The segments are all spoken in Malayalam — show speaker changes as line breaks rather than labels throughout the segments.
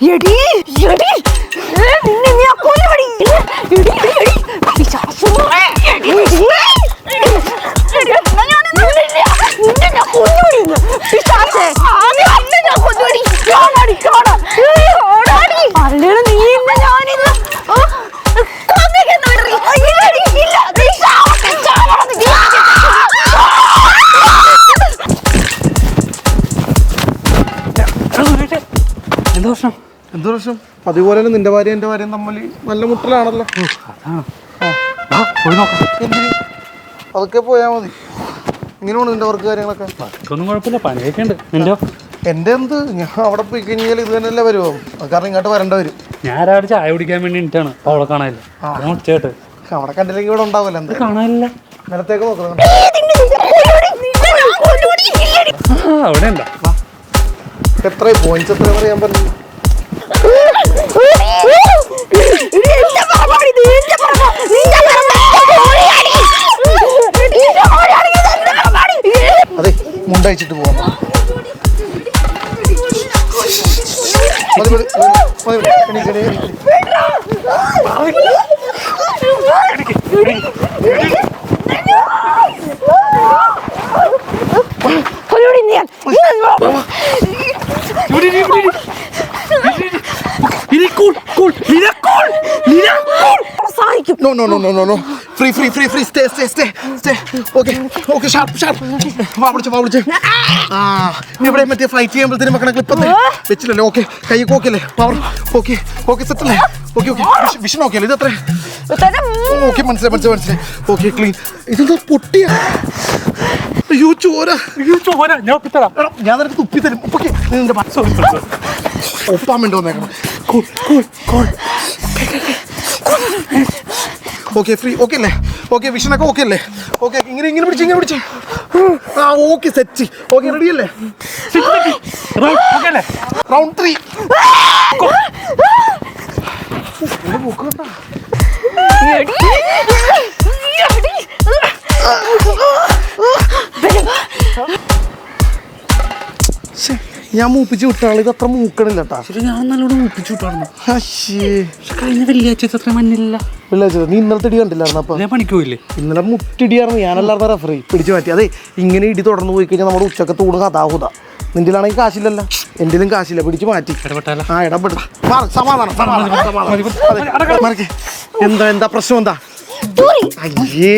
എടി എടി നിന്നെ ഞാൻ കൊല്ലുവടി. എടി എടി എടി പിശാചുമോളെ. എടി നിന്നെ ഞാൻ കൊല്ലുവടി. പിശാചേ നിന്നെ ഞാൻ കൊല്ലുവടി. ഓടാടി ഓടാടി. അല്ലേലും നീ ഇന്ന് ഞാനിന്ന് കൊന്നിരിക്കുന്നവടി. ഇല്ലടി ഇല്ല നീ ചാവട്ടെ ചാവണം നീ.
എന്ത് പ്രശ്നം?
എന്ത് പ്രശ്നം? അതുപോലെ തന്നെ നിന്റെ ഭാര്യ എന്റെ ഭാര്യയും തമ്മിൽ നല്ല മുട്ടലാണല്ലോ. എന്തിന് അതൊക്കെ പോയാ മതി. ഇങ്ങനെയാണ് നിന്റെ വർക്ക് കാര്യങ്ങളൊക്കെ.
ഒന്നും കുഴപ്പമില്ല, പണിയൊക്കെ ഉണ്ട്. നിന്റെ
എന്റെ എന്ത്, ഞാൻ അവിടെ പോയി കഴിഞ്ഞാൽ ഇത് തന്നെയല്ലേ വരുമോ? കാരണം ഇങ്ങോട്ട് വരേണ്ട വരും.
ഞാൻ രാവിലെ ചായ കുടിക്കാൻ വേണ്ടി ഇട്ടാണ് അവളെ കാണാനില്ല. ചേട്ട്
അവിടെ കണ്ടില്ലെങ്കിൽ ഇവിടെ ഉണ്ടാവില്ല. എന്ത്
കാണാനില്ല?
നിലത്തേക്ക് നോക്കണം.
അവിടെ ഉണ്ടോ?
എത്ര പോയിന്റ്സ് എത്ര പറയാൻ പറഞ്ഞു? അതെ മുണ്ടയച്ചിട്ട് പോവാം. No, no, no, no, no, no. Free, free, free, free. Stay, stay, stay, stay. Okay, okay, sharp, sharp. വാ വിളിച്ചേ. ഇവിടെ മറ്റേ ഫ്ലൈറ്റ് ചെയ്യുമ്പോഴത്തേനും മക്കളെ ക്ലിപ്പ് വെച്ചില്ലല്ലോ. ഓക്കെ, കൈ ഓക്കെയല്ലേ? പവർ ഓക്കെ, ഓക്കെ സെറ്റല്ലേ? ഓക്കെ ഓക്കെ, വിഷൻ ഓക്കെ അല്ലേ? ഇത് എത്ര? ഓക്കെ, മനസ്സിലായി. Okay, clean. ഇതെന്താ പൊട്ടിയ? അയ്യോ ചോര. ഞാൻ നിനക്ക് തുപ്പി തരും. ഓക്കെ, നിന്റെ ഒപ്പാൻ വേണ്ടി വന്നേക്കണം. ഓക്കെ, ഫ്രീ ഓക്കെ അല്ലേ? ഓക്കെ, വിഷനൊക്കെ ഓക്കെ അല്ലേ? ഓക്കെ, ഇങ്ങനെ പിടിച്ച്. ആ ഓക്കെ, സെറ്റ്. ഓക്കെ, റെഡി അല്ലേ? റൗണ്ട് 3. ഞാൻ മൂപ്പിച്ച് വിട്ടാൾ. ഇത് അത്ര മൂക്കണില്ല കേട്ടാ.
ഞാൻ നല്ലോണം മൂപ്പിച്ചു വിട്ടായിരുന്നു.
കഴിഞ്ഞ
വെള്ളിയാഴ്ച അത്ര മഞ്ഞില്ല.
വെള്ളിയാഴ്ച നീ ഇന്നലത്തെ ഇടി കണ്ടില്ലായിരുന്നു? അപ്പൊ
ഞാൻ പണിക്ക് പോയില്ലേ?
ഇന്നലെ മുട്ടിടിയായിരുന്നു. ഞാനല്ലായിരുന്നു റെഫറി പിടിച്ചു മാറ്റി. അതെ, ഇങ്ങനെ ഇടി തുടർന്ന് പോയി കഴിഞ്ഞാൽ നമ്മുടെ ഉച്ചക്കത്ത് ഊണ് കഥാഹുത. നിന്റെയിലാണെങ്കിൽ കാശില്ലല്ലോ, എന്റെയിലും കാശില്ല. പിടിച്ചു മാറ്റി. ആ ഇടപെട. സമാധാനം. എന്താ പ്രശ്നം? എന്താ? അയ്യേ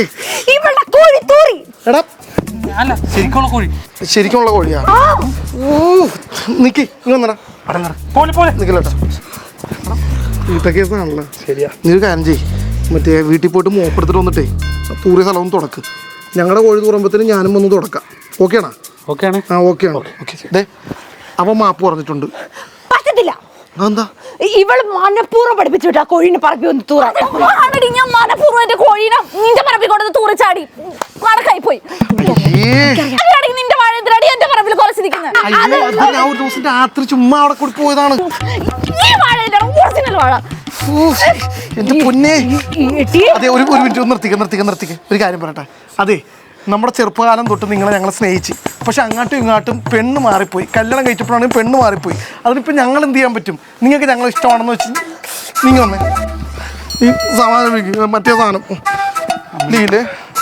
എടാ, ശരിക്കുള്ള കോഴിയാ? നിക്ക് നിക്കല്ലേട്ടാ. വീട്ട കേസാണല്ലോ. ശരിയാ. നീ ഒരു കാര്യം ചെയ്യ്, മറ്റേ വീട്ടിൽ പോയിട്ട് മോപ്പെടുത്തിട്ട് വന്നിട്ടേ തൂറിയ സ്ഥലം തുടക്ക്. ഞങ്ങളുടെ കോഴി തൂറുമ്പോഴത്തേനും ഞാനും ഒന്ന് തുടക്കാം. ഓക്കെയാണോ?
ഓക്കെയാണ്.
ആ ഓക്കെയാണ്. ഓക്കെ. അവൻ മാപ്പ് പറഞ്ഞിട്ടുണ്ട്.
പറ്റത്തില്ല.
എന്താ?
ഇവള് മനഃപൂർവ്വം പഠിപ്പിച്ചു വിട്ടാ കോഴീനെ പറമ്പി ഒന്ന് തൂറാൻ. ഞാൻ മനഃപൂർവ്വം എന്റെ കോഴീനെ നിന്റെ പറമ്പിൽ കൊണ്ടു തൂറിച്ചാടി കണക്കായി പോയി. നിന്റെ വാഴ എന്തിനാടി എന്റെ പറമ്പിൽ കൊലച്ചിരിക്കുന്നത്?
ഞാൻ ഒരു ദിവസം രാത്രി ചുമ്മാ അവിടെ കൂടി പോയതാണ്.
ഈ വാഴ ഒറിജിനൽ വാഴ.
എന്റെ പൊന്നെ. അതെ, ഒരു മിനിറ്റ് നിർത്തിക്ക്. ഒരു കാര്യം പറയട്ടെ. അതെ, നമ്മുടെ ചെറുപ്പകാലം തൊട്ട് നിങ്ങളെ ഞങ്ങൾ സ്നേഹിച്ച്, പക്ഷെ അങ്ങോട്ടും ഇങ്ങോട്ടും പെണ്ണ് മാറിപ്പോയി. കല്യാണം കഴിച്ചപ്പോഴാണെങ്കിൽ പെണ്ണ് മാറിപ്പോയി. അതിനിപ്പോൾ ഞങ്ങൾ എന്ത് ചെയ്യാൻ പറ്റും? നിങ്ങൾക്ക് ഞങ്ങൾ ഇഷ്ടമാണെന്ന് വെച്ച് നിങ്ങൾ വന്നേ ഈ സമാധാനം മറ്റേ സാധനം ലീലേ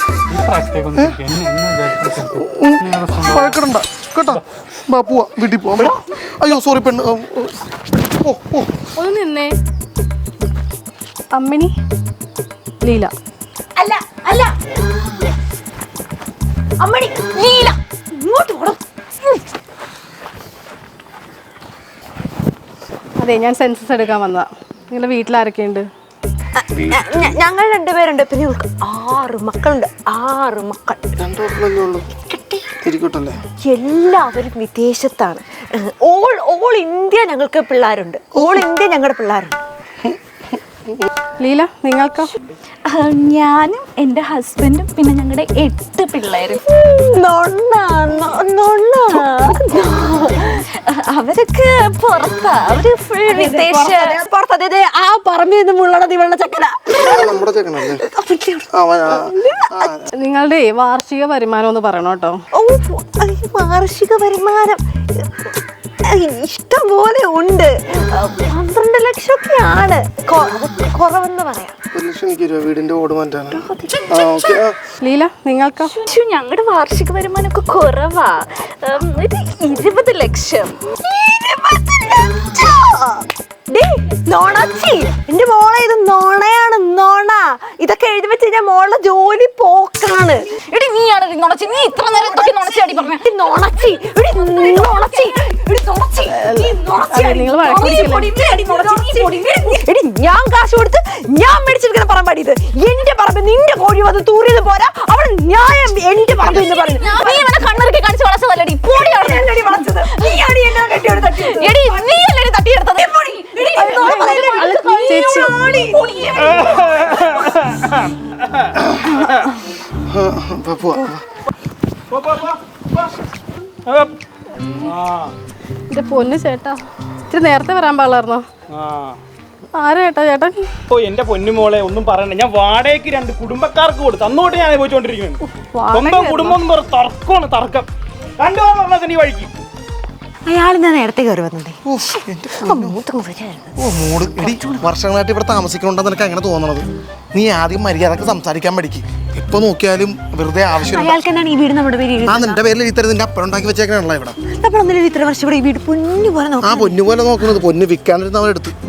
വഴക്കിടണ്ട കേട്ടോ. പോവാ, വീട്ടിൽ പോവാം. അയ്യോ സോറി പെണ്ണ്.
ഒന്ന് നിന്നേ. അമ്മിണി ലീല.
അല്ല അമ്മണി ലീല. ഇങ്ങോട്ട് പോണം.
അതെ, ഞാൻ സെൻസസ് എടുക്കാൻ വന്നതാ. നിങ്ങളുടെ വീട്ടിൽ ആരൊക്കെയുണ്ട്?
ഞങ്ങൾ 2 പേരുണ്ട്. പിന്നെ 6 മക്കളുണ്ട്. 6 മക്കൾ. എല്ലാവരും വിദേശത്താണ്. ഓൾ ഇന്ത്യ ഞങ്ങൾക്ക് പിള്ളേരുണ്ട്. ഓൾ ഇന്ത്യ ഞങ്ങളുടെ പിള്ളേരുണ്ട്.
ലീല, നിങ്ങൾക്കോ?
ഞാനും എൻ്റെ ഹസ്ബൻഡും പിന്നെ ഞങ്ങളുടെ 8 പിള്ളേരും. അവരൊക്കെ പുറത്താ. അവര് ഫുൾ വിദേശ പുറത്ത്. അതായത് ആ പറമ്പിൽ നിന്ന് മുള്ളണത് ഇവളുടെ ചക്കല.
നിങ്ങളുടെ വാർഷിക വരുമാനം ഒന്ന് പറയണം കേട്ടോ.
വാർഷിക വരുമാനം ഇഷ്ടം പോലെ ഉണ്ട്. 12 ലക്ഷമൊക്കെയാണ് കുറവെന്ന് പറയാം.
1 ലക്ഷം എനിക്ക് രൂപ വീടിന്റെ ഓട് മാറ്റാണ്.
ലീല നിങ്ങൾക്കോ?
ഞങ്ങളുടെ വാർഷിക വരുമാനമൊക്കെ കുറവാ. ഒരു 20 ലക്ഷം. നോണച്ചി, എന്റെ മോളെ ഇത് നോണയാണ്, നോണ. ഇതൊക്കെ എഴുതി വെച്ച് കഴിഞ്ഞാൽ മോളുടെ ജോലി പോക്കാണ്. എടി നീയാണ് നോണച്ചി, നീ ഇത്ര നേരം എന്തൊക്കെ നോണച്ചി പറഞ്ഞു. നോണച്ചി, എടി ഞാൻ കാശ് കൊടുത്ത് ഞാൻ മേടിച്ചിരിക്കുന്ന പറമ്പാടി ഇത്. എന്റെ പറമ്പ് നിന്റെ കോഴി വന്ന് തൂറിയത് പോരാ, അവൾ ന്യായം എന്റെ പറമ്പ് എന്ന് പറഞ്ഞു. നീ ഇവനെ കണ്ണുറുക്കി കാണിച്ച് വളച്ചതല്ലടി. വളച്ചത് നീയാണ് എന്നെ കെട്ടിയെടുത്ത് തട്ടി. എടി നീയല്ലേ തട്ടിയെടുത്തത്.
ചേച്ചി എന്റെ പൊന്നു ചേട്ടാ, ഇത്തിരി നേരത്തെ വരാൻ പാടില്ലായിരുന്നോ? ആരാ ചേട്ടൻ?
ഓ എന്റെ പൊന്നുമോളെ ഒന്നും പറയണ്ട. ഞാൻ വാടകയ്ക്ക് 2 കുടുംബക്കാർക്ക് കൊടുത്തു. അന്നോട്ട് ഞാൻ പോയിക്കൊണ്ടിരിക്കുന്നു. സ്വന്തം കുടുംബം എന്ന് പറഞ്ഞ തർക്കമാണ്, തർക്കം. 2 പേർ പറഞ്ഞാൽ നീ വഴിക്ക്
അയാൾ നേരത്തെ കയറി വന്നേ.
മൂട് എടി, വർഷങ്ങളായിട്ട് ഇവിടെ താമസിക്കണുണ്ടെന്ന് നിനക്ക് അങ്ങനെ തോന്നണത്. നീ ആദ്യം മര്യാദക്ക് സംസാരിക്കാൻ പഠിക്ക്. ഇപ്പൊ നോക്കിയാലും വെറുതെ ആവശ്യമില്ല.
അയാൾക്ക് എന്താണ് ഈ വീട് നമ്മുടെ പേര്?
ആ നിന്റെ പേരിൽ ഇത്തരം നിന്റെ അപ്പഴം ഉണ്ടാക്കി വെച്ചേക്കണല്ലോ ഇവിടെ.
നമ്മളൊന്നും ഇത്ര വർഷം ഇവിടെ ഈ വീട് പൊന്നു പോലെ
ആ പൊന്നു പോലെ നോക്കുന്നത്. പൊന്ന് വിൽക്കാനിരുന്ന് അവരെടുത്ത്